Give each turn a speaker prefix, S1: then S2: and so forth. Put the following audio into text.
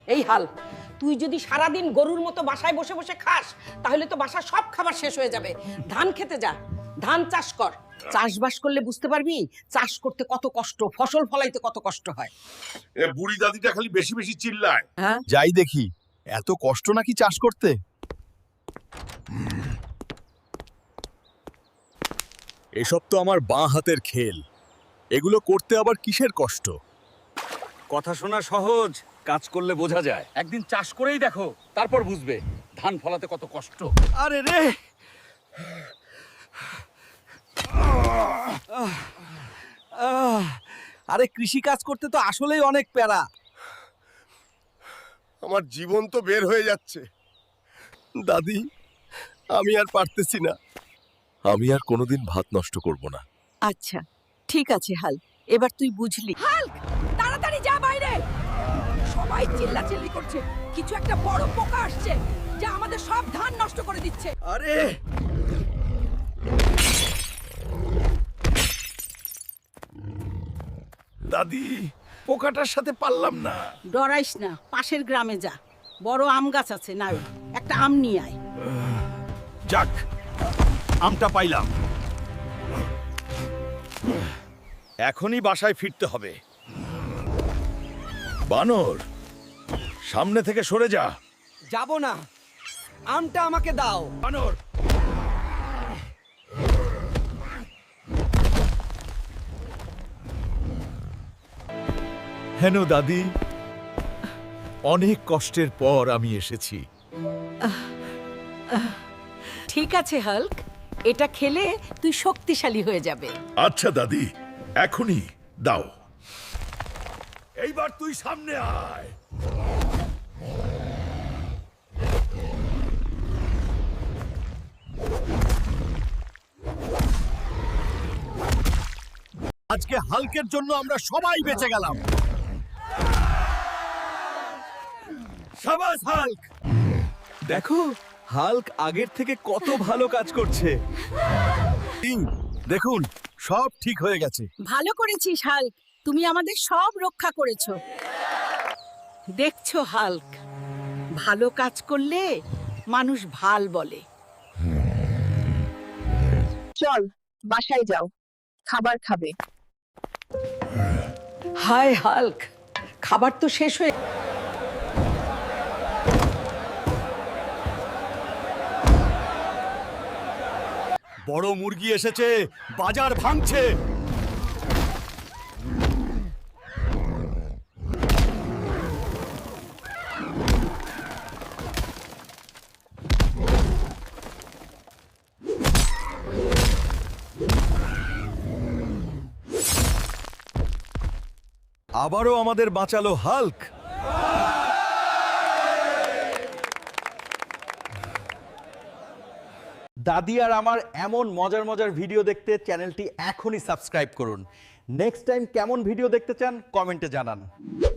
S1: এই হাল, তুই যদি সারাদিন গরুর মতো বাসায় বসে বসে খাস তাহলে তো বাসার সব খাবার শেষ হয়ে যাবে। ধান খেতে যা, ধান চাষ কর। চাষবাস করলে বুঝতে পারবি চাষ করতে কত কষ্ট, ফসল ফলাইতে কত কষ্ট হয়।
S2: এ বুড়ি দাদিটা খালি বেশি বেশি চিল্লায়।
S1: হ্যাঁ,
S3: যাই দেখি এত কষ্ট নাকি চাষ করতে। এসব তো আমার বাঁ হাতের খেল, এগুলো করতে আবার কিসের কষ্ট?
S4: কথা শোনা সহজ, কাজ করলে বোঝা যায়। একদিন চাষ করেই দেখো, তারপর বুঝবে ধান ফলাতে কত কষ্ট।
S3: আরে রে, আরে কৃষি কাজ করতে তো আসলেই অনেক প্যারা।
S2: আমার জীবন তো বের হয়ে যাচ্ছে।
S3: দাদি, আমি আর পারতেছি না। আমি আর কোনোদিন ভাত নষ্ট করব না।
S5: আচ্ছা ঠিক আছে হাল, এবার তুই বুঝলি।
S1: হাল্ক, তাড়াতাড়ি যা বাইরে। সবাই চিল্লাচিল্লি করছে, কিছু একটা বড় পোকা আসছে যা আমাদের সব ধান নষ্ট করে দিচ্ছে।
S3: আরে
S2: দাদি, পোকাটার সাথে পারলাম না।
S5: ডরাইস না, পাশের গ্রামে যা, বড় আম গাছ আছে, না একটা আম নিয়ে আয়।
S3: যাক, আমটা পাইলাম।
S2: এখনই বাসায় ফিরতে হবে। বানর, সামনে থেকে সরে যা।
S6: যাব না, আমটা আমাকে দাও।
S2: বানর,
S3: হেন দাদি, অনেক কষ্টের পর আমি এসেছি।
S5: ঠিক আছে হাল্ক, এটা খেলে তুই শক্তিশালী হয়ে যাবে।
S2: আচ্ছা দাদি, এখনই দাও। এইবার তুই সামনে আয়।
S3: আজকে হাল্কের জন্য আমরা সবাই বেঁচে গেলাম।
S2: সাবাস হাল্ক।
S3: দেখো, হাল্ক আগের থেকে কত ভালো কাজ করছে। দেখুন, সব ঠিক হয়ে গেছে।
S5: ভালো করেছিস হাল্ক, তুমি আমাদের সব রক্ষা করেছো। দেখছো হাল্ক, ভালো কাজ করলে মানুষ ভাল বলে।
S7: চল বাসায় যাও, খাবার খাবে।
S1: হায় হাল্ক, খাবার তো শেষ হয়ে।
S3: বড় মুরগি এসেছে, বাজার ভাঙছে। আবারও আমাদের বাঁচালো হাল্ক।
S4: দাদি আর আমার এমন মজার মজার ভিডিও দেখতে চ্যানেলটি এখনই সাবস্ক্রাইব করুন। নেক্সট টাইম কেমন ভিডিও দেখতে চান কমেন্টে জানান।